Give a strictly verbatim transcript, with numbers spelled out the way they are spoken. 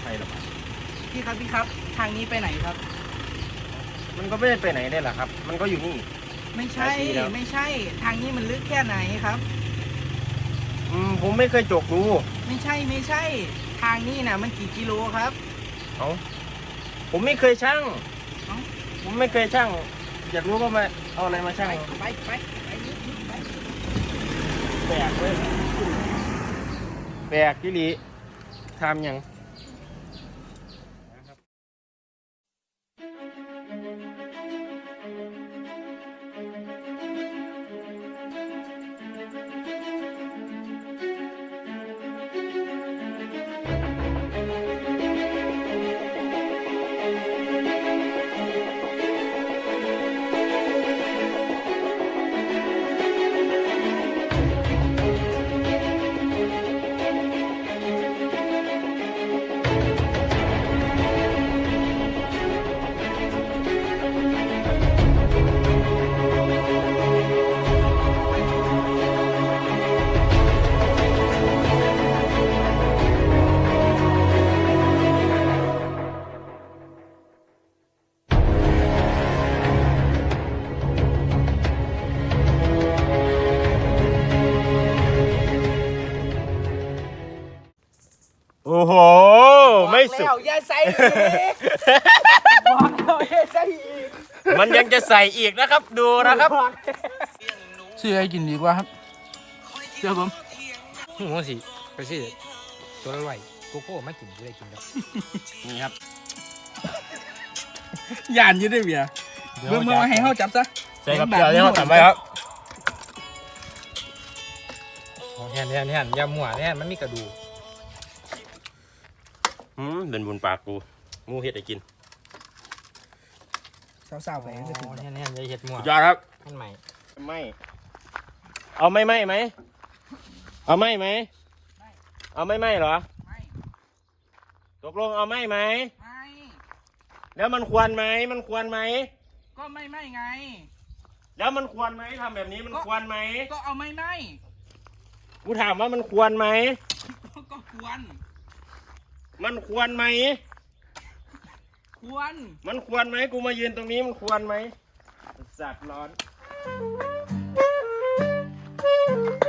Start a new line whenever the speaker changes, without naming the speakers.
ใช่หรอครับ
พี่ครับพี่ครับทางนี้ไปไหนครับ
มันก็ไม่ได้ไปไหนได้หรอครับ มันก็อยู่นี่
ไม่ใช่
หลายปีแล้ว
ไม่ใช่ทางนี้มันลึกแค่ไหนครับ
อืมผมไม่เคยจกดู
ไม่ใช่ไม่ใช่ ทางนี้นะมันกี่กิโลครับ
เอาผมไม่เคยชั่ง
เอ้า
ผมไม่เคยชั่ง อยากรู้ก็มาเอาอะไรมาชั่ง
ไปไปไปไปนิดนิดไป
แปลกเว้ยแปลกที่ลีทำยังโอ้โห ไม่สุด
บอกแล้วอย่าใส่อีกบอกแล้วอย่าใส่อีก
มันยังจะใส่อีกนะครับ ดูนะครับ
ซื้อให้กินดีกว่าครับเชื่อผม
หัวสิไปสิตัวละร้อยโกโก้ไม่กินจะได้กินครับ
นี่ครับ
ยานอยืดได้เบียร์เมื่อเมื่อให้เขาจับซะ
ใส่กับเกลือที่เขาทำไว้ครับ
แทนแทนแทนยำหมัวแทนมันมีกระดูก
อืมเป็นบุญปากกูงูเห็ดไอ้กิน
สาวๆไปก็จะถึง
แทนแทนยายเห็ดหมัว
สุดยอดครับ
ท่านใหม่
ไม่ เอาไม่ไม่ไหม เอาไม่ไหม เอาไม่ไม่เหรอ
ไม่
ตกลงเอาไม่ไหม
ไม่
แล้วมันควรไหม มันควรไหม
ก็ไม่ไม่ไง
แล้วมันควรไหมทำแบบนี้มัน
ก็
ควรไหม
ก็เอาไม่ไม่
กูถามว่ามันควรไหม
ก็ควร
มันควรไหม
ควร
มันควรไหม กูมายืนตรงนี้มันควรไหมสัตว์ร้อน